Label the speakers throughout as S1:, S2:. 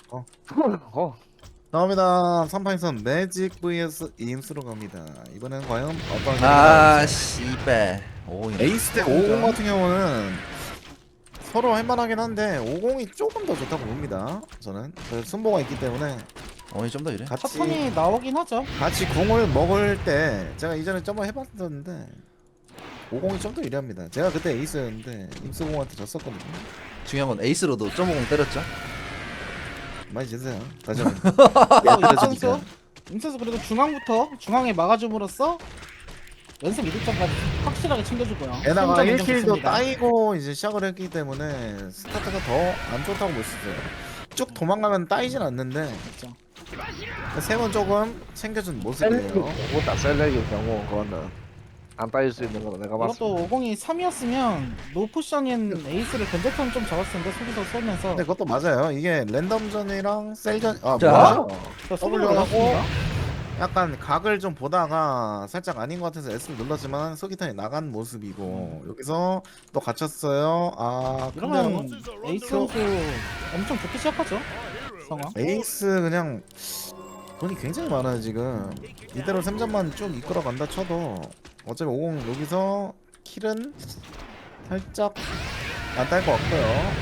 S1: 어.
S2: 나옵니다. 3판에선 매직 vs 임스로 갑니다. 이번엔 과연 어떤 결과가
S3: 아
S2: 나올지.
S3: 씨발 오
S2: 에이스 대 50 같은 경우는 서로 할만하긴 한데 50이 조금 더 좋다고 봅니다. 저는 순보가 있기 때문에
S3: 오이 좀 더 이래
S2: 같이
S4: 사턴이 나오긴 하죠.
S2: 궁을 먹을 때 제가 이전에 점을 해봤었는데 50이 좀 더 유리합니다. 제가 그때 에이스였는데 임스공한테 졌었거든요.
S3: 중요한 건 에이스로도 점오공 때렸죠.
S2: 많이 지세요. 다시 한번.
S4: 임선수 임선수 그래도 중앙에 막아줌으로써 연습 이득점까지 확실하게 챙겨주고요.
S2: 게다가
S4: 선점 인정
S2: 1킬도
S4: 좋습니다.
S2: 따이고 이제 시작을 했기 때문에 스타트가 더 안 좋다고 볼 수 있어요. 쭉 도망가면 따이진 않는데
S4: 그렇죠.
S2: 세 번 조금 챙겨준 모습이에요.
S1: 그거다 셀렉의 경우 그거는 안 따질 수 있는 거는 내가 봤을 때.
S4: 이것도 50이 3이었으면 노포션인 에이스를 견제턴 좀 잡았을 텐데 속에서 쏘면서
S2: 근데 그것도 맞아요. 이게 랜덤전이랑 셀전
S3: 자.
S2: 뭐야?
S4: W
S2: W하고
S4: 올랐습니다.
S2: 약간 각을 좀 보다가 살짝 아닌 것 같아서 S를 눌렀지만 소기탄이 나간 모습이고 여기서 또 갇혔어요. 아
S4: 이러면
S2: 근데
S4: 에이스 선수 엄청 좋게 시작하죠. 상황.
S2: 에이스 그냥 돈이 굉장히 많아요 지금. 이대로 3점만 쭉 이끌어 간다 쳐도 어차피 50 여기서 킬은 살짝 안 딸 것 같고요.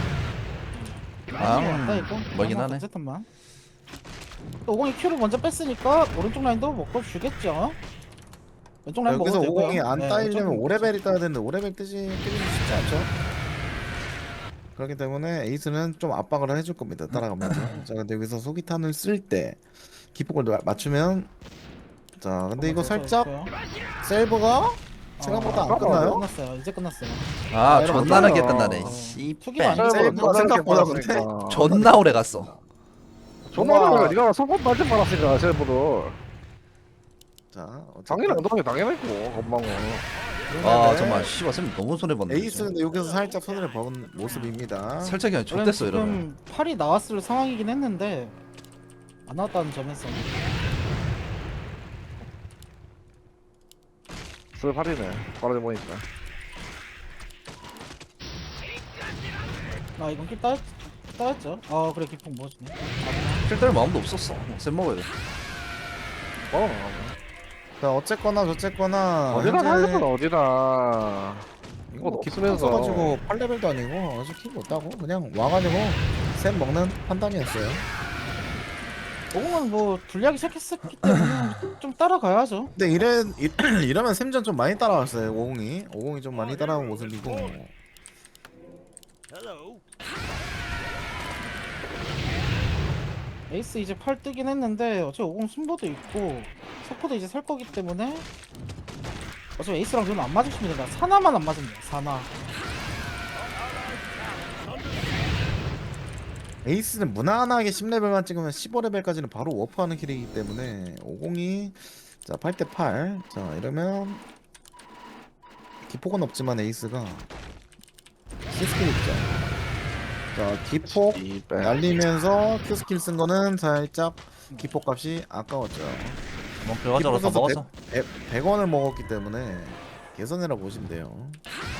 S4: 왔다 있고
S3: 멀긴 하네.
S4: 어쨌든만 또 50이 큐를 먼저 뺐으니까 오른쪽 라인도 먹고 주겠죠. 왼쪽 라인
S2: 여기서
S4: 먹어도 되고요.
S2: 50이 안
S4: 네,
S2: 따이려면
S4: 왼쪽
S2: 5레벨이 따야 되는데 5레벨 뜨기는 쉽지 않죠. 그렇기 때문에 에이스는 좀 압박을 해줄 겁니다. 따라가면서. 자 근데 여기서 소기탄을 쓸 때 기폭을 맞추면 자 근데 이거 살짝 셀버가 생각보다 안 끝나요?
S4: 끝났어요. 이제 끝났어요.
S3: 아
S2: 이러면
S3: 존나 늦게
S2: 어떡해요.
S3: 끝나네
S4: 투기가 안
S3: 씨발
S4: 셀버가
S2: 생각보다 근데
S3: 존나 오래 갔어.
S1: 존나 네가 소금 빠진 말았으니까 셀프를
S2: 자
S1: 당연히
S2: 어쨌든
S1: 엉덩이 당연했고 건방은.
S3: 아 정말 씨발 쌤 너무 손해봤네.
S2: 에이스는 여기서 살짝 손해를 본 모습입니다.
S3: 살짝 그냥
S4: 원래는
S3: 좆됐어 이러면.
S4: 지금 팔이 나왔을 상황이긴 했는데 안 나왔다는 점에서
S1: 슬팔이네 바로 보니까.
S4: 아 이건 킬 따였죠. 아 그래 기폭 뭐지네.
S3: 필때릴 마음도 없었어. 쌤 먹어야 돼.
S2: 자 어쨌거나 저쨌거나
S1: 어디나
S2: 현재
S1: 살려면 어디나. 이거
S2: 뭐
S1: 키스면서
S2: 가지고 8레벨도 아니고 아직 킬 못하고 그냥 와가지고 샘 먹는 판단이었어요.
S4: 50은 뭐 불리하기 시작했었기 때문에 좀 따라가야죠.
S2: 근데 이러면 샘전 좀 많이 따라왔어요. 50이 좀 많이 따라온 모습이고
S4: 에이스 이제 팔 뜨긴 했는데 어차피 50 순보도 있고 석포도 이제 살 거기 때문에 어차피 에이스랑 저는 안 맞으시면 된다. 사나만 안 맞으면 돼요. 사나.
S2: 에이스는 무난하게 10레벨만 찍으면 15레벨까지는 바로 워프하는 킬이기 때문에 50이 자 8대8 자 이러면 기폭은 없지만 에이스가 C스킬 있죠. 자 기폭
S1: 이백.
S2: 날리면서 Q스킬 쓴 거는 살짝 기폭 값이 아까웠죠.
S3: 뭐 결과적으로 다 먹었어.
S2: 100원을 먹었기 때문에 개선해라 보시면 돼요.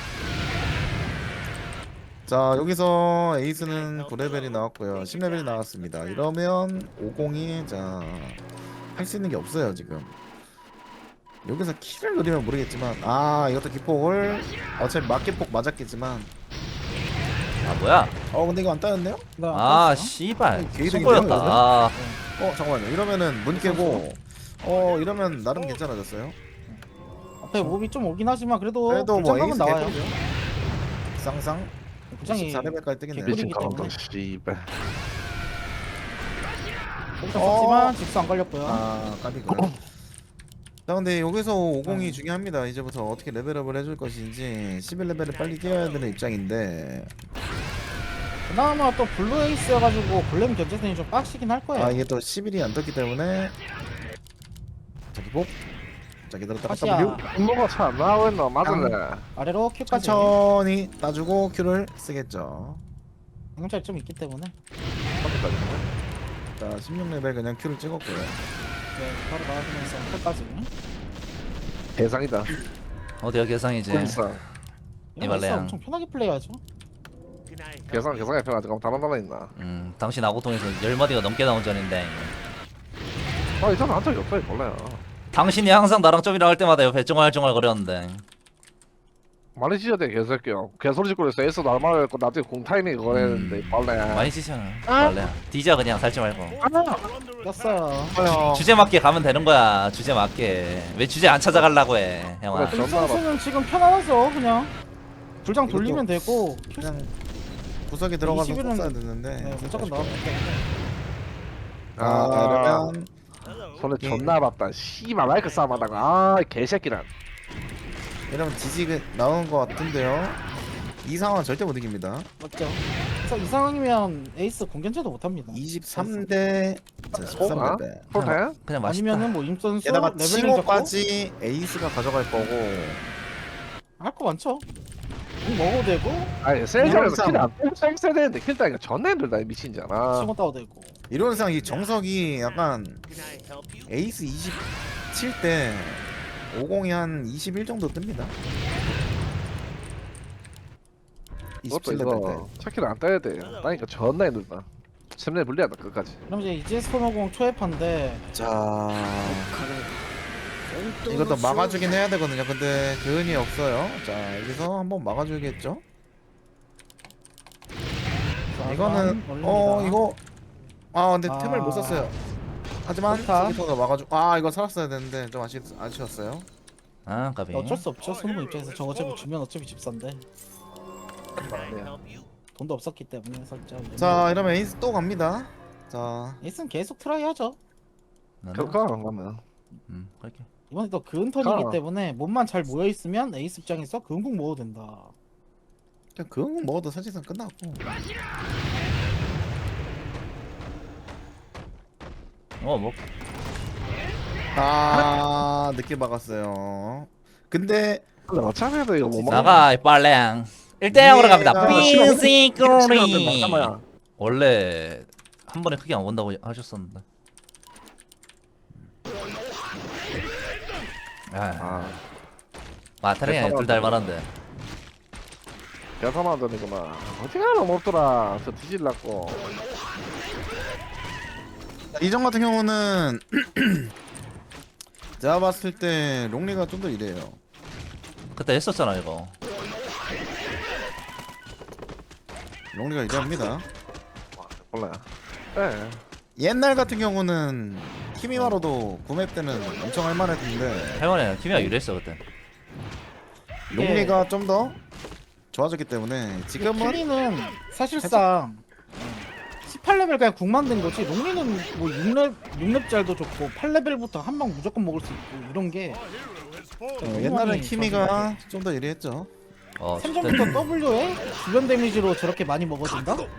S2: 자 여기서 에이스는 9레벨이 나왔고요. 10레벨이 나왔습니다. 이러면 50이 자 할 수 있는 게 없어요 지금. 여기서 킬을 노리면 모르겠지만 아 이것도 기폭을 어차피 막기폭 맞았겠지만
S3: 아 뭐야?
S2: 근데 이거 안 따였네요?
S3: 아 씨발
S2: 개이득인데요,
S3: 손보였다.
S2: 이거는?
S3: 아
S2: 잠깐만요. 이러면은 문 깨고 이러면 나름 괜찮아졌어요.
S4: 앞에 몸이 좀 오긴 하지만 그래도
S2: 그래도 뭐
S4: 불장감은
S2: 에이스
S4: 나와요.
S2: 개꿀이죠. 쌍쌍
S4: 부장이
S2: 14레벨까지 뜨겠네요.
S4: 개꿀이-
S1: 미친 카운터 씨발.
S4: 여기서 썼지만 직수 안 걸렸고요.
S2: 아 까비가. 자 근데 여기서 50이 중요합니다. 이제부터 어떻게 레벨업을 해줄 것인지 11레벨을 빨리 뛰어야 되는 입장인데
S4: 그나마 또 블루 에이스여가지고 골렘 견제선이 좀 빡시긴 할 거예요.
S2: 아 이게 또 11이 안 떴기 때문에 자 기복 자 기다렸다가
S4: 다시야.
S2: W
S1: 분노가 차 나왔나 맞을래.
S4: 아래로 큐까지
S2: 천천히 따주고 Q를 쓰겠죠.
S4: 경찰 좀 있기 때문에
S2: 자 16레벨 그냥 Q를 찍었고요.
S4: 네, 바로 나와주면서 큐까지.
S1: 대상이다.
S3: 어디가 개상이지?
S1: 군상.
S4: 이러면 에이스
S3: 이발레양.
S4: 엄청 편하게 플레이하죠.
S1: 계산해 펴가지고 다른 나라 있나?
S3: 당신 아고통에서 10마디가 넘게 나온 전인데
S1: 아 이전 한 적이 없어요 몰라요.
S3: 당신이 항상 나랑 좀이라 할 때마다 옆에 쫑알쫑알 거렸는데
S1: 많이 찢어대 개새끼야. 개소리 짓고 그랬어. 에서 날말 했고 나중에 공타이밍 그거 했는데 빨래.
S3: 많이 찢잖아 원래 뒤져 그냥 살지 말고
S4: 꼈어요.
S2: 아야.
S3: 주제 맞게 가면 되는 거야 주제 맞게 왜 주제 안 찾아가려고 해 형아
S1: 그래.
S4: 선수는 지금 편안하죠 그냥. 불장 돌리면 되고.
S2: 그냥 구석에 들어가서
S4: 21은
S2: 썼어야 됐는데.
S4: 네, 무조건 나왔기 때문에.
S2: 그러면
S1: 손에 존나 아팠다. 씨발 마이크 싸움하다가 아 개새끼란.
S2: 이러면 지지가 나오는 것 같은데요. 이 상황은 절대 못 이깁니다.
S4: 맞죠? 그래서 이 상황이면 에이스 공견제도 못합니다.
S2: 23대 13대.
S1: 폴대?
S3: 그냥 맛있다
S4: 아니면은 뭐 임선수
S2: 게다가
S4: 레벨링 잡고
S2: 칭호까지 에이스가 가져갈 거고.
S4: 할 거 많죠. 공 먹어도 되고
S1: 아니 셀전에서
S2: 항상-
S1: 킬안 빼고 써야 되는데 킬 따니까 존나 힘들다 미친잖아.
S4: 치고 따도 되고.
S2: 이론상 이 정석이 약간 에이스 27대 50이 한 21 정도 뜹니다.
S1: 그것도
S2: 27레벨
S1: 이거 차키를 안 따야 돼. 따니까 존나 힘들다. 샘내 불리하다 끝까지.
S4: 그럼 이제 EGS 코너공 초회판인데
S2: 때. 자, 이것도 막아주긴 해야 되거든요. 근데 그은이 없어요. 자, 여기서 한번 막아줘야겠죠? 이거는 이거 근데
S4: 아.
S2: 템을 못 썼어요. 하지만
S4: 좋다.
S2: 소기통도 막아주. 이거 살았어야 되는데 좀 아쉬웠어요.
S3: 아 까비
S4: 어쩔 수 없죠. 손무 입장에서 저거 어차피 주면 어차피 집산데 돈도 없었기 때문에 살짝.
S2: 자, 이러면 에이스 또 갑니다. 자,
S4: 에이스는 계속 트라이 하죠.
S1: 그거 안 가면.
S3: 그렇게
S4: 이번에 또 그은 턴이기
S1: 가.
S4: 때문에 몸만 잘 모여 있으면 에이스 입장에서 그은국 먹어도 된다.
S2: 그냥 그건 먹어도 사실상 끝났고.
S3: 뭐
S2: 늦게 막았어요. 근데
S1: 근데 어차피 해도 이거 못 먹어.
S3: 나가 이 빨랭 1대0으로 갑니다
S2: 얘가-
S3: 삐시꼬리
S1: 잠깐만.
S3: 원래 한 번에 크게 안 온다고 하셨었는데
S1: 아
S3: 마타리가 둘 다 할만한데
S1: 계산만 되는구나. 어디가 너무 없더라. 저 뒤질랐고.
S2: 이전 같은 경우는 제가 봤을 때 롱리가 좀 더 이래요.
S3: 그때 했었잖아 이거
S2: 롱리가 이래합니다.
S1: 몰라요. 네.
S2: 옛날 같은 경우는 키미마로도 구맵 때는 엄청 할만했는데
S3: 할머니 팀이가 유리했어 그때
S2: 롱리가 좀 더 좋아졌기 때문에 지금은
S4: 키리는 사실상 18레벨 그냥 궁 만든 거지. 롱리는 뭐 6렙 좋고 8레벨부터 한 방 무조건 먹을 수 있고 이런 게
S2: 옛날엔 키미가 좀 더 유리했죠.
S4: 생전부터 W에 주변 데미지로 저렇게 많이 먹어준다? 예.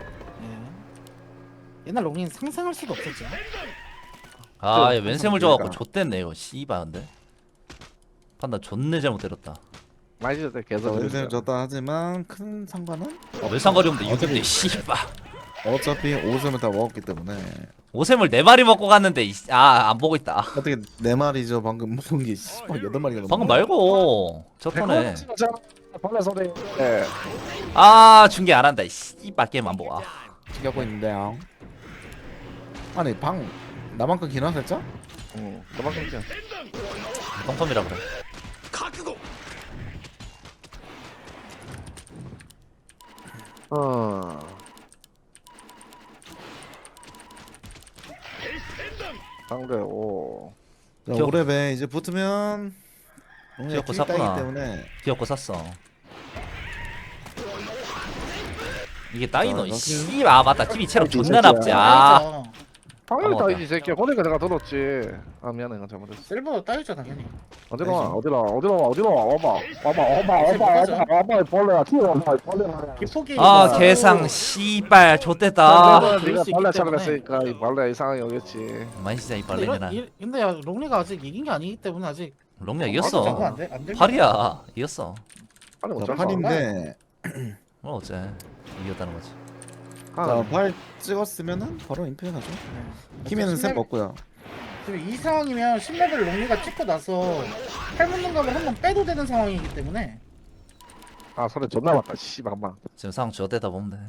S4: 옛날 롱리는 상상할 수도 없었죠.
S3: 아, 얘 왼샘을 줘갖고
S2: 그러니까.
S3: 좆됐네 이거 씨발 근데 판단 존내 잘못 때렸다
S1: 많이 졌대 계속.
S2: 왼셈 졌다 하지만 큰 상관은
S3: 외상거리 없는데 6인데 씨발
S2: 어차피 5셈을 다 먹었기 때문에
S3: 오샘을 4마리 먹고 갔는데 안 보고 있다
S2: 어떻게 4마리죠 방금 먹은 게 8마리가
S3: 방금 말고 저 턴에
S1: 벌레 소리. 네.
S3: 중계 안 한다 씨발 게임 안 보고
S2: 챙겨고 있는데요. 아니 방 나만큼 기나 살짝?
S1: 응. 그만큼 지
S3: 똥텀이라 그래
S1: 상대 오.
S2: 자,
S3: 기억-
S2: 5렙에 이제 붙으면
S3: 기억고
S2: 킬이
S3: 샀구나.
S2: 따이기 때문에
S3: 귀엽고 샀어 이게 따이노
S2: 너
S3: 씨발 맞다 TV 체력
S1: 이
S3: 존나
S1: 새끼야.
S3: nap지
S1: 당연히
S3: 맞다.
S1: 따이지 새끼야. 보니까 내가 들었지. 미안해 이건 잘못했어.
S4: 실버 따이죠 당연히.
S1: 어디로 와? 와봐 벌레야 튀어와봐 벌레야.
S4: 기폭이
S3: 개상 씨발 좆됐다
S4: 그럴
S1: 네가
S4: 수
S1: 벌레
S4: 있기
S1: 차를
S4: 때문에.
S1: 했으니까 이 벌레 이상하게 오겠지.
S3: 많이 진짜 이
S4: 근데
S3: 빨래내나
S4: 근데 야, 롱리가 아직 이긴 게 아니기 때문에 아직
S3: 롱냐
S4: 적응
S3: 이겼어
S4: 안 돼? 안 돼?
S3: 8이야 이겼어
S1: 아니
S2: 자,
S1: 어쩔 수 없네.
S2: 8인데
S3: 뭐 어째 이겼다는 거지
S2: 자, 8 찍었으면은 바로 임페 가죠. 키미는 셋 먹고요.
S4: 지금 이 상황이면 10레벨 롱리가 찍고 나서 팔 묻는 감을 한번 빼도 되는 상황이기 때문에
S1: 아 소리 존나 맞다 씨발만.
S3: 지금 상황 저대다 보면 돼.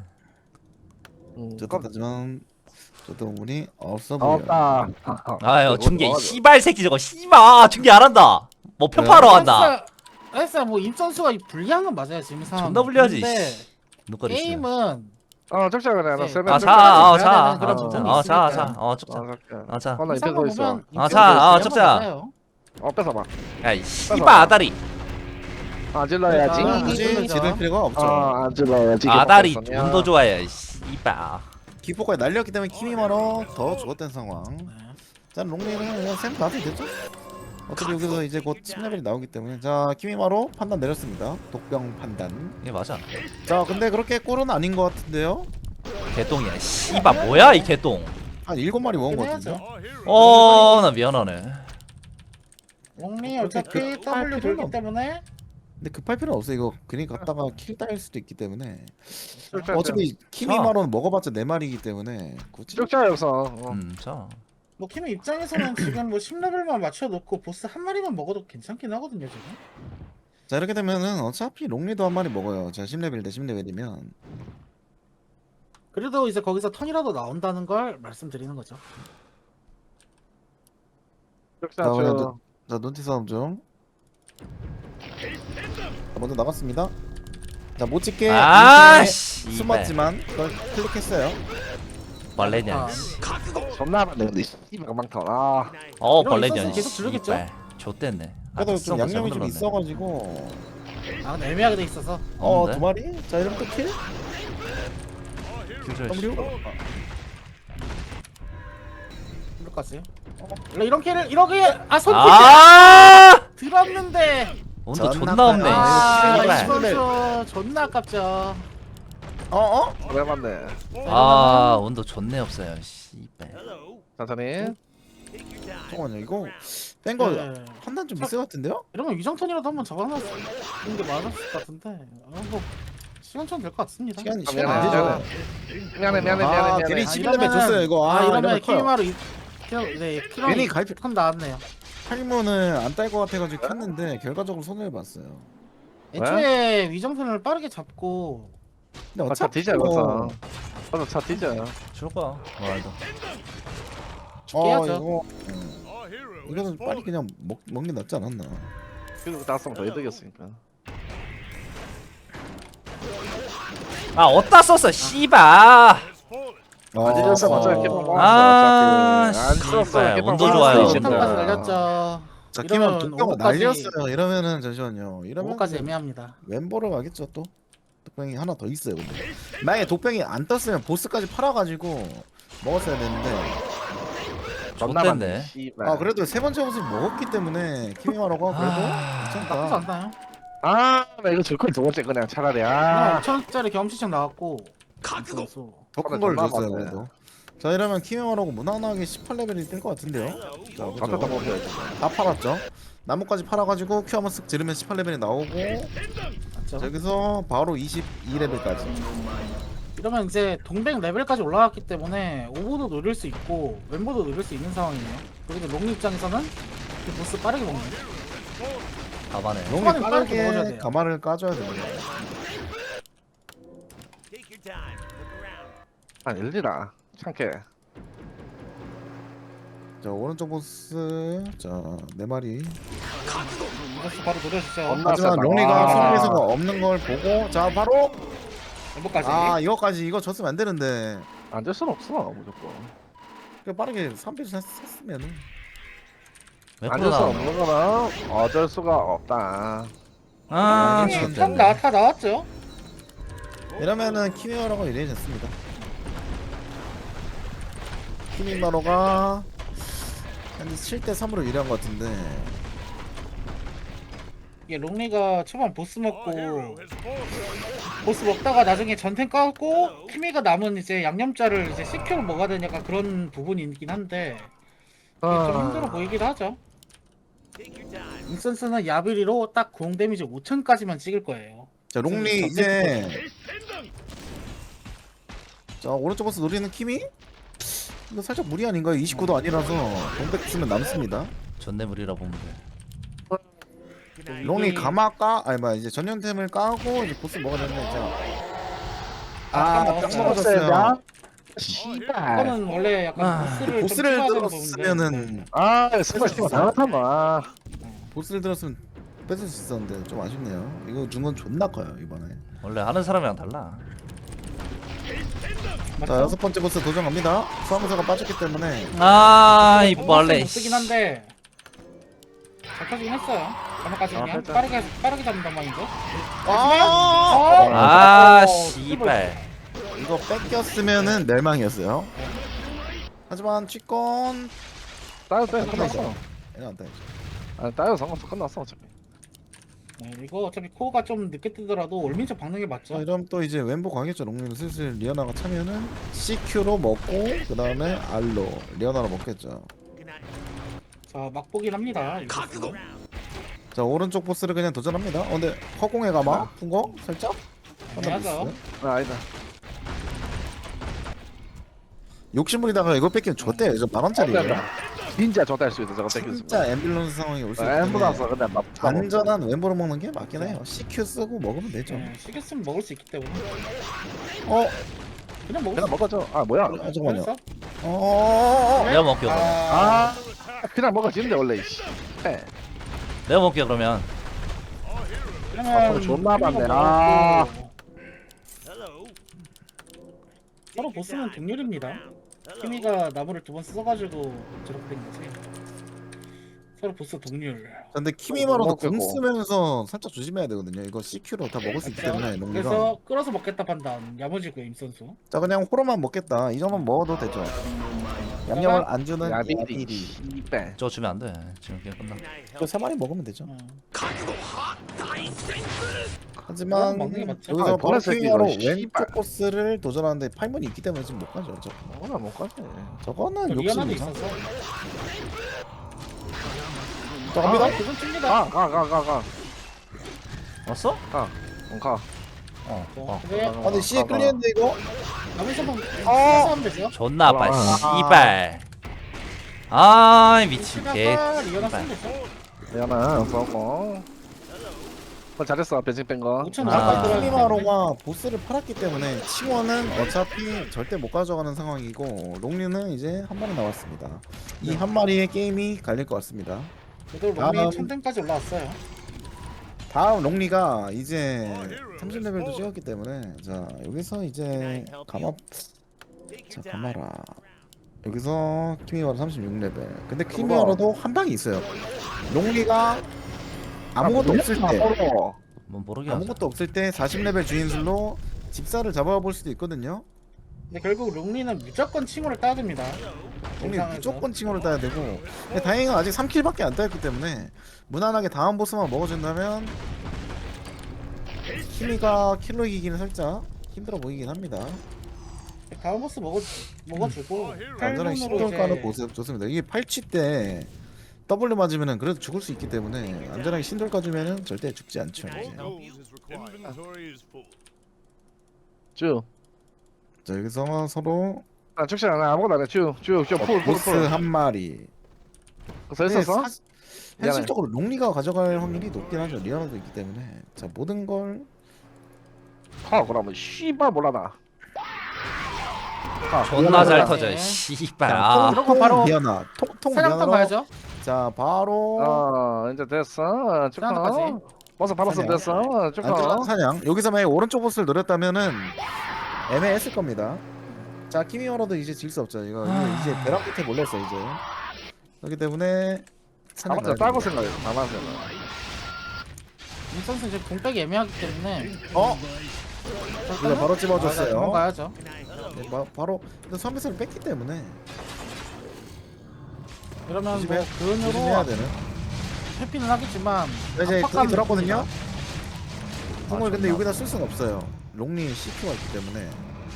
S2: 하지만 저도 운이 없어 보여요.
S1: 없다.
S3: 아유 중계 씨발 새끼 저거 씨발 중계 안 한다. 뭐 편파하러 간다.
S4: 알았어 뭐 임선수가 불리한 건 맞아요 지금 상황.
S3: 존나 불리하지.
S4: 근데
S3: 눈거리 있어.
S4: 게임은
S1: 적자 그래. 나
S4: 네.
S1: 세면.
S3: 아 자,
S4: 가야 되는 그런
S3: 자,
S4: 부분이
S3: 자,
S4: 있으니까.
S3: 적자. 자.
S1: 자.
S3: 자.
S1: 나 입에서 있어.
S3: 자, 적자.
S1: 뺏어봐.
S3: 야이 씨발 아다리.
S1: 아 질러야지.
S4: 아,
S2: 굳이 지를 필요가 없죠.
S1: 안 질러야지.
S3: 아다리 운도 좋아요. 이 씨발.
S2: 기포까지 날렸기 때문에 키미마로 더 죽었던 상황. 자 롱리는 그냥 샘 가도 되죠? 어차피 여기서 이제 곧 10레벨이 나오기 때문에 자 키미마로 판단 내렸습니다. 독병 판단.
S3: 이게 맞아.
S2: 자 근데 그렇게 꿀은 아닌 것 같은데요?
S3: 개똥이야. 씨발 뭐야 이 개똥.
S2: 한 7마리 먹은 것 같은데?
S3: 나 미안하네.
S4: 롱리 어차피 W 돌기 때문에
S2: 근데 급할 필요는 없어. 이거 괜히 갔다가 킬 따일 수도 있기 때문에
S1: 적자.
S2: 어차피 키미마로는 먹어봤자 4마리이기 때문에 굳이
S1: 적자 여기서.
S3: 자.
S4: 뭐 키미 입장에서는 지금 뭐 10레벨만 맞춰놓고 보스 한 마리만 먹어도 괜찮긴 하거든요 지금.
S2: 자 이렇게 되면은 어차피 롱리도 한 마리 먹어요. 자 10레벨 대 10레벨이면
S4: 그래도 이제 거기서 턴이라도 나온다는 걸 말씀드리는 거죠.
S1: 적자
S2: 자, 그냥
S1: 줘.
S2: 자 눈티 싸움 중. 자, 먼저 나갔습니다. 자 못찍게
S3: 아
S2: 숨
S3: 씨발.
S2: 숨었지만 그걸 클릭했어요.
S3: 벌레냐.
S4: 아,
S1: 존나 많네 근데 씨발 금방터. 아.
S4: 이런
S3: 벌레냐.
S4: 있었으면 계속 들르겠죠?
S3: 좆됐네.
S2: 그래도 좀 양념이 좀 있어가지고
S4: 아 근데 애매하게 돼 있어서.
S3: 없는데?
S2: 2마리? 자 이러면 또 킬? W?
S4: 이럴까지. 원래 이런 캐를 이렇게 손
S3: 아
S4: 들었는데.
S3: 온도
S2: 존나
S3: 존나 없네.
S4: 아
S3: 씨발.
S4: 이선수 존나 아깝죠.
S2: 어어?
S1: 왜 맞네.
S3: 아 온도 존내 없어요. 씨발.
S1: 천천히.
S2: 잠깐만요 이거 뺀거
S4: 네.
S2: 판단 좀 미스 같은데요?
S4: 이러면 위정턴이라도 한번 잡아놨는 게 맞았을 것 같은데. 뭐 시간천 될 것 같습니다.
S2: 시간
S1: 미안해,
S2: 안 되죠?
S1: 미안해.
S2: 아 괜히 11레벨 줬어요 이거.
S4: 아 이러면
S2: 이러면 커요.
S4: 키마로 네
S2: 괜히 가입-
S4: 턴 나왔네요.
S2: 탈문을 안 딸 것 같아가지고 켰는데 결과적으로 손해를 봤어요.
S4: 애초에 위정턴을 빠르게 잡고
S2: 근데
S1: 차
S2: 어차피
S1: 뒤져 여기서. 맞아 차 뒤져.
S3: 줄 거야. 뭐라도.
S4: 깨야죠.
S2: 이거 이거는 빨리 그냥 먹는 게 낫지 않았나?
S1: 그리고 나왔으면 더 이득이었으니까.
S3: 아 어디다 썼어 씨발.
S1: 안 찢었어 맞아 이렇게
S3: 아,
S1: 안 찢었어
S3: 씨발,
S1: 이렇게
S3: 온도
S1: 뽑았어,
S3: 좋아요.
S1: 이제.
S4: 턴까지 날렸죠.
S2: 자
S4: 이러면
S2: 키면 독병을
S4: 5호까지
S2: 날렸어요. 이러면은 잠시만요. 이러면
S4: 5호까지 애매합니다.
S2: 왼보러 가겠죠 또. 독병이 하나 더 있어요 근데. 만약에 독병이 안 떴으면 보스까지 팔아가지고 먹었어야 되는데.
S1: 존나
S3: 좆됐네.
S1: 많네 씨발.
S2: 아 그래도 세 번째 옷을 먹었기 때문에 키미마로가 그래도
S4: 나쁘지
S2: 괜찮다.
S4: 않나요?
S1: 나 이거 줄걸 두 번째 그냥 차라리. 아
S4: 5천원짜리 경험치청 나왔고 선수.
S2: 더 큰 걸
S1: 존나
S2: 줬어요
S1: 많네.
S2: 그래도. 자 이러면 키미마로가 무난하게 18레벨이 뜰 것 같은데요. 자
S1: 맞다
S2: 그죠?
S1: 먹어야지.
S2: 다 팔았죠. 나무까지 팔아가지고 큐 한번 쓱 지르면 18레벨이 나오고
S4: 맞죠?
S2: 자, 여기서 바로 22레벨까지.
S4: 이러면 이제 동백 레벨까지 올라갔기 때문에 오버도 노릴 수 있고 왼보도 노릴 수 있는 상황이에요. 그리고 롱 입장에서는 이 보스 빠르게 먹는.
S3: 가만해.
S2: 롱이
S4: 초반에 빠르게 먹어줘야
S2: 빠르게
S4: 돼요.
S2: 가마를 까줘야 됩니다.
S1: 아 일리라. 참게.
S2: 자 오른쪽 보스 자 4마리.
S4: 보스 바로 노려주죠.
S1: 엄마.
S2: 하지만
S1: 맞았다.
S2: 롱리가
S1: 와.
S2: 손에서가 없는 걸 보고 자 바로
S4: 왼보까지.
S2: 아 이거까지 이거 줬으면 안 되는데
S1: 안될 순 없어 무조건.
S2: 그냥 빠르게 3패 샀으면은
S3: 왜
S1: 안될 수
S3: 코로나?
S1: 없는 거는 어쩔 수가 없다.
S3: 아
S2: 참
S4: 참
S3: 좆됐네.
S4: 다 나왔죠.
S2: 이러면은 키미마로가 유리해졌습니다. 키미마로가 한 7대 3으로 유리한 것 같은데
S4: 이게 롱리가 초반 보스 먹고 보스 먹다가 나중에 전탱 까고 키미가 남은 이제 양념자를 이제 CQ로 먹어야 되니까 그런 부분이 있긴 한데 좀 힘들어 보이기도 하죠. 인센스는 야비리로 딱 공 데미지 5천까지만 찍을 거예요.
S2: 자 롱리 이제 자 오른쪽 보스 노리는 키미? 이거 살짝 무리 아닌가요? 29도 아니라서 동백 쓰면 남습니다.
S3: 존내 물이라 보면 돼.
S2: 롱리 가마 아니 뭐 이제 전용템을 까고 이제 보스 먹어야 되는데 자.
S4: 아,
S2: 딱
S4: 먹었어요.
S2: 먹어졌어요.
S1: 씨발.
S4: 이거는 원래 약간
S3: 아,
S4: 보스를
S2: 보스를
S4: 좀 추가하는
S2: 들었으면은
S1: 아, 스마 잘하나.
S2: 보스를 들었으면 뺏을 수 있었는데 좀 아쉽네요. 이거 준 건 존나 커요 이번에.
S3: 원래 하는 사람이랑 달라.
S2: 자 여섯 번째 보스 도전 갑니다. 수험사가 빠졌기 때문에
S3: 아, 이 벌레.
S4: 못 쓰긴 한데 잘 펴지긴 했어요. 가만까지 그냥
S1: 됐다.
S4: 빠르게 잡는단 말인데.
S3: 아, 씨발.
S2: 이거 뺏겼으면은 멸망이었어요. 하지만 취권
S1: 따요 끝났어.
S2: 얘는 안 따야죠.
S1: 아, 따요 상관없어 끝났어 어차피.
S4: 네, 이거 어차피 코어가 좀 늦게 뜨더라도 올민첩 박는 게
S2: 자
S4: 맞죠.
S2: 이러면 또 이제 왼보 광역자 롱리를 슬슬 리어나가 차면은 CQ로 먹고 그 다음에 R로 리어나로 먹겠죠.
S4: 자 막보긴 합니다. 이거.
S2: 자 오른쪽 보스를 그냥 도전합니다. 근데 허공에 가마 푼거 살짝
S4: 애매하죠.
S2: 하나
S1: 아, 아니다.
S2: 욕심부리다가 이거 뺏기면 줬대요. 저 10,000원짜리예요.
S1: 진짜 좋다 할수 있어 저거 뺏겼으면.
S2: 진짜 앰뷸런스 상황이 올 수
S1: 엠보다
S2: 있기
S1: 어
S2: 때문에
S1: 근데 막
S2: 안전한 왼보로 먹는 게 맞긴 해요. CQ 쓰고 먹으면 되죠.
S4: 네, 시켰으면 먹을 수 있기 때문에
S2: 어?
S4: 그냥 먹을
S1: 그냥
S4: 수
S1: 먹어줘. 아 뭐야?
S2: 아 잠깐만요.
S4: 있어.
S3: 내가 먹게 그러면.
S1: 아 그냥 먹어지는데 원래 이씨. 네.
S3: 내가 먹게 그러면.
S4: 그러면
S1: 존나 많네.
S4: 먹고.
S1: 아.
S4: 서로 보스는 동률입니다. 키미가 나무를 2번 써가지고 저렇게 된 거지. 서로 보스 동률.
S2: 근데 키미마로도 공
S1: 먹겠고.
S2: 쓰면서 살짝 조심해야 되거든요. 이거 CQ로 다 먹을 수 있기 때문에 롱리가.
S4: 그래서 끌어서 먹겠다 판단. 야무지고 임선수.
S2: 자 그냥 호로만 먹겠다. 이 정도만 먹어도 되죠. 양념을 안 주는
S1: 야비리.
S2: 야비리.
S1: 씨발.
S3: 저거 주면 안 돼. 지금 그냥 끝나.
S2: 저 3마리 먹으면 되죠.
S4: 어.
S2: 하지만
S4: 먹는 게 맞죠.
S2: 여기서
S1: 아,
S2: 바로
S1: 보라색
S2: 키미마로
S1: 이거, 씨발.
S2: 왼쪽 보스를 도전하는데 파이몬이 있기 때문에 지금 못 가죠.
S1: 뭐나 못 가지.
S2: 저거는
S4: 리아나도
S2: 욕심이죠.
S4: 있어서.
S2: 자 갑니다.
S4: 그건 찝니다.
S1: 가.
S3: 왔어?
S1: 가. 가.
S4: 네.
S2: 아 근데 C에 끌리는데 이거
S4: 나무에서만
S2: 어.
S4: 하면 되죠.
S3: 존나 아파.
S1: 아.
S3: 씨발. 아, 미친 개.
S4: 리아나
S3: 씨발.
S4: 쓰면 되죠.
S1: 미안해. 써고. 잘했어 벤칭 뺀 거.
S4: 5,000원
S3: 아.
S2: 아까
S4: 아.
S2: 키미마로가 보스를 팔았기 때문에 칭원은 어차피 절대 못 가져가는 상황이고 롱리는 이제 한 마리 나왔습니다. 이 한 마리의 게임이 갈릴 것 같습니다.
S4: 그래도
S2: 다음.
S4: 롱리 1000댐까지 올라왔어요.
S2: 다음 롱리가 이제 30레벨도 찍었기 때문에 자 여기서 이제 가마라 여기서 키미마로 36레벨 근데 키미마로도 한 방이 있어요. 롱리가 아무것도 없을 때
S3: 뭔 모르게 하자.
S2: 아무것도 없을 때 40레벨 주인술로 집사를 잡아볼 수도 있거든요.
S4: 근데 결국 롱리는 무조건 칭호를 따야 됩니다.
S2: 롱리
S4: 영상에서.
S2: 무조건 칭호를 따야 되고 근데 다행히 아직 3킬밖에 안 따였기 때문에 무난하게 다음 보스만 먹어준다면 키미가 킬로 이기기는 살짝 힘들어 보이긴 합니다.
S4: 다음 보스 먹어주고
S2: 안전하게 신돌가는 모습 좋습니다. 이게 8치 때 W 맞으면은 그래도 죽을 수 있기 때문에 안전하게 신돌 까주면은 절대 죽지 않죠. 이제.
S1: 쭉.
S2: 자 여기서 서로
S1: 아 축시 안 해. 아무것도 안 해. 쭉.
S2: 보스 한 마리.
S1: 써 있었어?
S2: 근데 현실적으로 롱리가 가져갈 확률이 높긴 하죠. 리아나도 있기 때문에 자 모든 걸
S1: 하 그러면 씨발 몰라나.
S3: 존나 잘
S4: 네.
S3: 터져. 씨발.
S2: 자,
S3: 아.
S4: 이런 거 바로
S2: 리아나 통
S4: 사냥터
S2: 리아나로
S4: 가야죠.
S2: 자 바로
S1: 이제 됐어.
S4: 사냥터까지.
S1: 축하. 버스 받았으면
S2: 사냥.
S1: 됐어. 축하.
S2: 안전한 사냥. 여기서 만약 오른쪽 보스를 노렸다면은 애매했을 겁니다. 자 키미어로도 이제 질 수 없죠. 이거 이제 벼락 끝에 몰렸어 이제. 그렇기 때문에 사냥
S1: 아무튼
S2: 가야
S1: 따고
S2: 됩니다.
S1: 생각해. 가만 생각.
S4: 임선수 지금 공백이 애매하기 때문에
S2: 이거 바로 집어줬어요.
S4: 넘어가야죠.
S2: 네, 바로 근데 3배스를 뺐기 때문에
S4: 그러면 뭐
S2: 조심해야
S4: 근으로
S2: 되는.
S4: 회피는 하겠지만
S2: 이제 궁이
S4: 압박감이
S2: 들었거든요.
S4: 있습니다.
S2: 궁을 근데
S3: 존나.
S2: 여기다 쓸 수는 없어요. 롱리 CQ가 있기 때문에.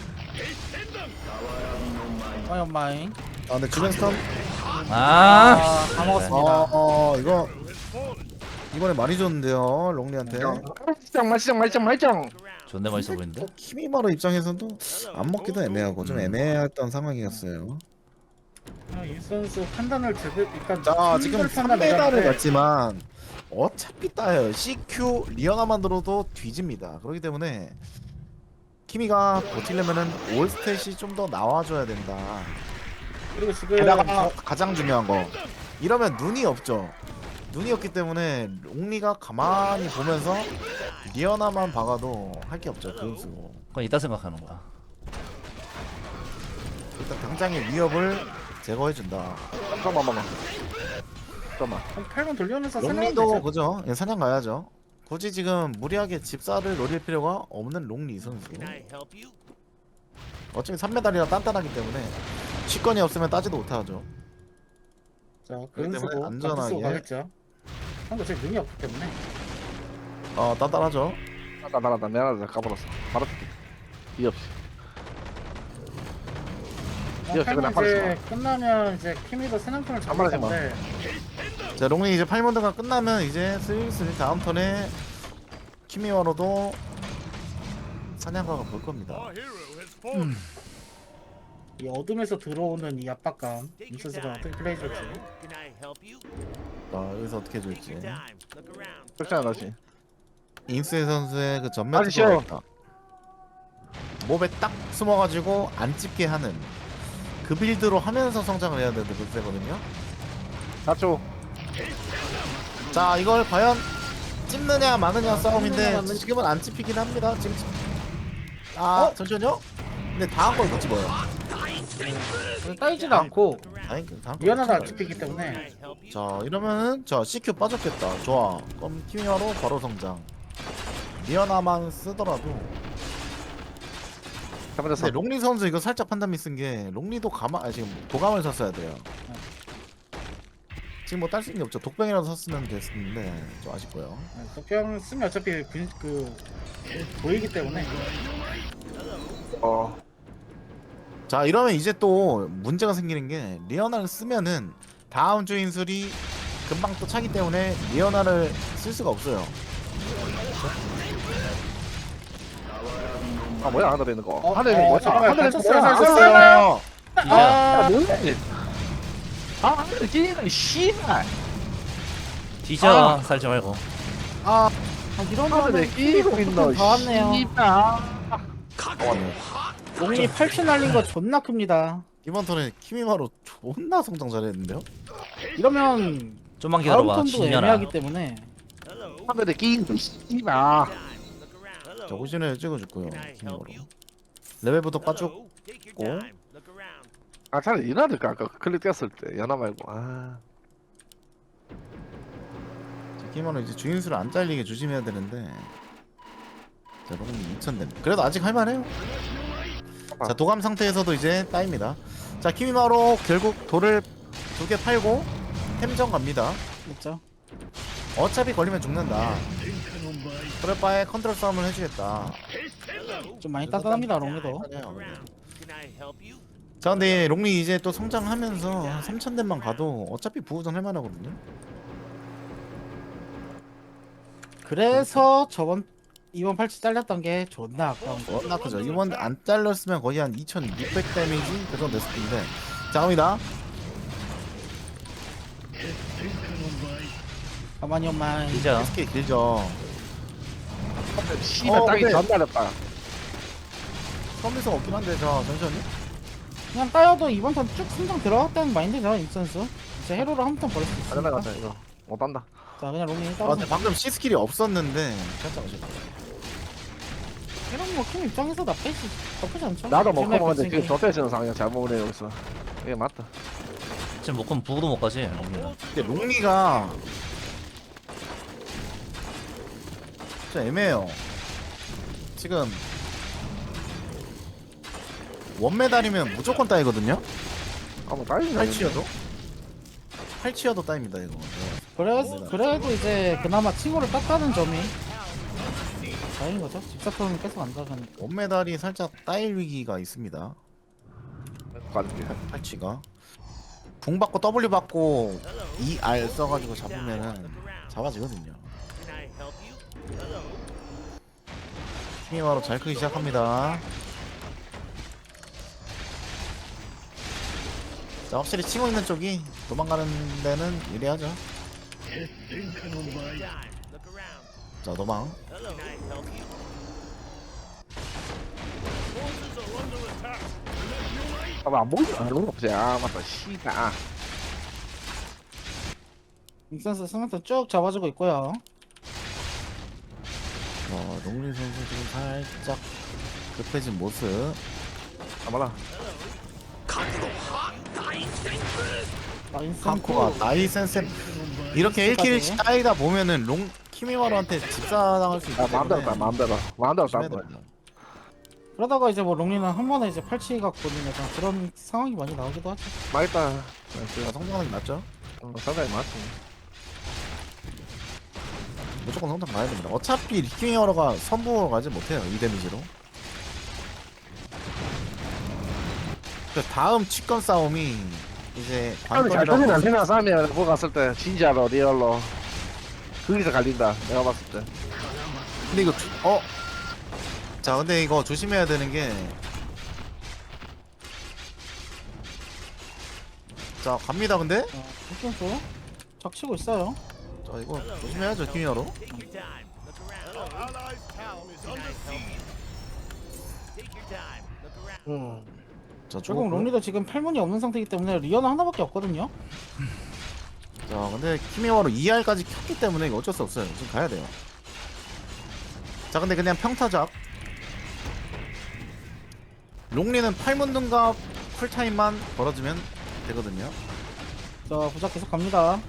S4: 아이 엄마잉.
S2: 아 근데 주변 스턴.
S3: 아.
S4: 다 먹었습니다.
S2: 이거 이번에 많이 줬는데요 롱리한테.
S1: 말짱.
S3: 존나 멋있어 보이는데.
S2: 또 키미마루 입장에서도 안 먹기도 애매하고 좀 애매했던 상황이었어요.
S4: 이 선수 판단을 제대로 일단
S2: 자 지금
S4: 판단
S2: 3메달을
S4: 내렸는데
S2: 갔지만 어차피 따요. CQ 리어나만 들어도 뒤집니다. 그렇기 때문에 키미가 버틸려면은 올스탯이 좀 더 나와줘야 된다.
S4: 그리고 지금
S2: 게다가 가장 중요한 거 이러면 눈이 없죠. 눈이 없기 때문에 롱리가 가만히 보면서 리어나만 박아도 할 게 없죠. 돈 쓰고
S3: 그건 이따 생각하는 거야.
S2: 일단 당장의 위협을 제거해준다.
S1: 잠깐만.
S4: 8번 돌려면서 사냥하면
S2: 롱리도
S4: 되죠.
S2: 그죠? 예, 사냥 가야죠. 굳이 지금 무리하게 집사를 노릴 필요가 없는 롱리 선수. 어차피 3메달이라 단단하기 때문에 치권이 없으면 따지도 못하죠.
S4: 자,
S2: 그렇기
S4: 그런
S2: 때문에
S4: 쓰고
S2: 안전하게.
S4: 쓰고 가겠죠. 한국 제 능이 없기 때문에.
S2: 단단하죠.
S1: 나라다 내가 까버렸어. 바로 이 없이. 이거
S4: 팔면
S1: 그냥
S4: 이제 끝나면 이제 키미도 사냥꾼을 잡을
S1: 말하지 마.
S4: 건데
S2: 자 롱리 이제 8문드가 끝나면 이제 슬슬 다음 턴에 키미와로도 사냥가가 볼 겁니다.
S4: 이 어둠에서 들어오는 이 압박감 이 선수가 어떻게 플레이 줄지.
S2: 자 여기서 어떻게 해줄지.
S1: 그렇잖아 다시.
S2: 인스의 선수의 그 전면
S1: 아니, 쉬어.
S2: 투구가 몹에 딱 숨어가지고 안 찝게 하는 그 빌드로 하면서 성장을 해야 되는 글쎄거든요.
S1: 4초.
S2: 자 이걸 과연 찝느냐 마느냐 싸움인데
S4: 찝느냐, 마느냐.
S2: 지금은 안 찝히긴 합니다. 지금 아 잠시만요. 근데 다음 걸 못 집어요.
S4: 따이지도 않고
S2: 다음 걸
S4: 미안하다 안
S2: 못 집어요.
S4: 찍히기 때문에
S2: 자 이러면은 자 CQ 빠졌겠다. 좋아. 그럼 키미와로 바로 성장. 미연아만 쓰더라도. 근데 롱리 선수 이거 살짝 판단 미쓴 게 롱리도 지금 도감을 샀어야 돼요. 지금 뭐 딸 수 있는 게 없죠. 독병이라도 샀으면 됐는데 좀 아쉽고요.
S4: 독병 쓰면 어차피 보이기 때문에
S2: 자 이러면 이제 또 문제가 생기는 게 리어나를 쓰면은 다음 주 인술이 금방 또 차기 때문에 리어나를 쓸 수가 없어요.
S1: 아 뭐야 하늘에 있는 거.
S4: 어,
S1: 하늘에 있는 거.
S4: 잠깐만,
S1: 하늘에 있는
S4: 갇혔어요,
S1: 거야.
S4: 갇혔어요.
S1: 아 뭐야? 아 하늘에 끼는 씨발.
S3: 뒤져 살지 말고.
S4: 이런
S1: 하늘에 끼고 있노.
S4: 다 왔네요.
S1: 씨발.
S4: 롱이 8초 날린 거 존나 큽니다.
S2: 이번 턴에 키미마로 존나 성장 잘했는데요.
S4: 이러면
S3: 좀만
S4: 다음
S3: 기다려봐.
S4: 턴도
S3: 진열아.
S4: 애매하기 때문에
S1: 하늘에 끼는 씨발.
S2: 자 호신을 찍어줬고요. 키미마로 레벨부터 빠졌고.
S1: 아 차라리 이나들까 아까 클릭 뗐을 때 연하 말고. 아.
S2: 자, 키미마로 이제 주인수를 안 잘리게 조심해야 되는데. 자 롱이 2000 됩니다. 그래도 아직 할만해요. 자 도감 상태에서도 이제 따입니다. 자 키미마로 결국 돌을 2개 팔고 템전 갑니다.
S4: 그렇죠.
S2: 어차피 걸리면 죽는다. 그럴 바에 컨트롤 싸움을 해주겠다.
S4: 좀 많이 따뜻합니다 롱이도.
S2: 자 근데 롱리 이제 또 성장하면서 3000댐만 가도 어차피 부호전 할만하거든요.
S4: 그래서 이번 팔찌 잘렸던 게 존나 아까운 거.
S2: 워낙 크죠. 이번 안 잘렸으면 거의 한 2600 데미지 그 정도 됐을 텐데. 자 갑니다.
S4: 가만히 엄마.
S3: 뒤져.
S2: SK 길죠.
S1: 씨발 땅이
S2: 근데-
S1: 전달했다.
S2: 서미성 없긴 한데 자 잠시만요.
S4: 그냥 따여도 이번 턴 쭉 승장 들어갔다는 마인드죠 이 선수. 이제 헤로를 한 턴 버릴 수 있으니까.
S1: 가자 가자 이거. 못 한다.
S4: 자 그냥 롱이
S2: 아
S4: 따로.
S2: 근데 방금 C 스킬이 없었는데 살짝 아쉽다.
S4: 이런 뭐팀 입장에서 나쁘지 않죠.
S1: 나도 못
S4: 요즘에
S1: 커먹는데 지금
S4: 벤칭이.
S1: 저태시는 상황이 잘못 보내 여기서. 이게 맞다.
S3: 지금 못 가면 부부도 못 가지. 롱리는.
S2: 근데 롱리가 진짜 애매해요. 지금 원메달이면 무조건 따이거든요.
S1: 아뭐 다행이다.
S2: 8치여도 따입니다 이거.
S4: 그래도 이제 그나마 칭호를 땄다는 점이 다행인 거죠. 집사턴은 계속 안 가가니까.
S2: 원메달이 살짝 따일 위기가 있습니다.
S1: 가줄게.
S2: 8치가 궁 받고 W 받고 ER 써가지고 잡으면은 잡아지거든요. 키미와로 잘 크기 시작합니다. 자, 확실히 치고 있는 쪽이 도망가는 데는 유리하죠. 자, 도망.
S1: 안 보이지? 안 보이지? 아, 맞다. 씨발. 아.
S4: 닉센스 스마트 쭉 잡아주고 있고요.
S2: 롱리 선수 지금 살짝 급해진 모습.
S1: 가봐라.
S2: 한코가 나이센스 이렇게 1킬 따이다 보면은 롱 키미마루한테 집사당할 수 있기
S1: 아,
S2: 때문에
S1: 마음대로 따, 마음대로. 마음대로 따.
S2: 조심해야 됩니다.
S4: 그러다가 이제 뭐 롱리는 한 번에 이제 팔찌가 보는 약간 그런 상황이 많이 나오기도 하죠.
S1: 맛있다.
S2: 자, 성장하는 게 맞죠?
S1: 상당히 많지.
S2: 무조건 성장 가야 됩니다. 어차피 리키미마루가 선부로 가지 못해요. 이 데미지로. 그 다음 치권 싸움이 이제
S1: 잘 터진
S2: 관건이라고.
S1: 안테나 싸움이야. 그거 갔을 때 진짜로 리얼로 거기서 갈린다. 내가 봤을 때.
S2: 근데 이거 자, 근데 이거 조심해야 되는 게, 자, 갑니다. 근데
S4: 닉센스 적치고 있어요.
S2: 자, 이거 조심해야죠. 키미마루. 자,
S4: 결국
S2: 죽었고.
S4: 롱리도 지금 팔문이 없는 상태이기 때문에 리어는 하나밖에 없거든요.
S2: 자, 근데 키미와로 2R까지 켰기 때문에 이거 어쩔 수 없어요. 지금 가야 돼요. 자, 근데 그냥 평타작. 롱리는 8문등갑 쿨타임만 벌어주면 되거든요.
S4: 자 부작 계속 갑니다.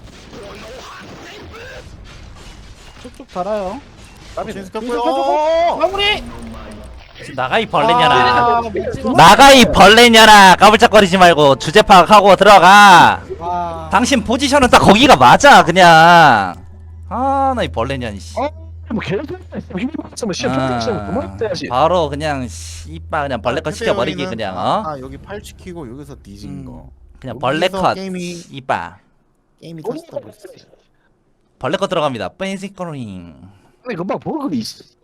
S4: 쭉쭉 달아요.
S2: 신스
S4: 켜주고.
S2: 켰고요.
S4: 마무리.
S3: 나가 이 벌레냐라.
S4: 못 찍었어.
S3: 나가 이 벌레냐라. 까불짝거리지 말고 주제 파악하고 들어가.
S4: 와.
S3: 당신 포지션은 딱 거기가 맞아 그냥. 아 나 이 벌레냐 씨.
S1: 뭐 계속 힘이 없으면 시험 평균시험 그만해야지.
S3: 바로 그냥 씨발 그냥 벌레컷 시켜버리기 그냥 어?
S2: 여기 팔 치키고 여기서 뒤진 거.
S3: 그냥
S2: 여기서
S3: 벌레컷
S2: 게임이-
S3: 씨발
S2: 게임이 터졌다 보였어.
S3: 벌레컷 들어갑니다. 뺀시거링.
S1: 아니 금방 버그리 있어.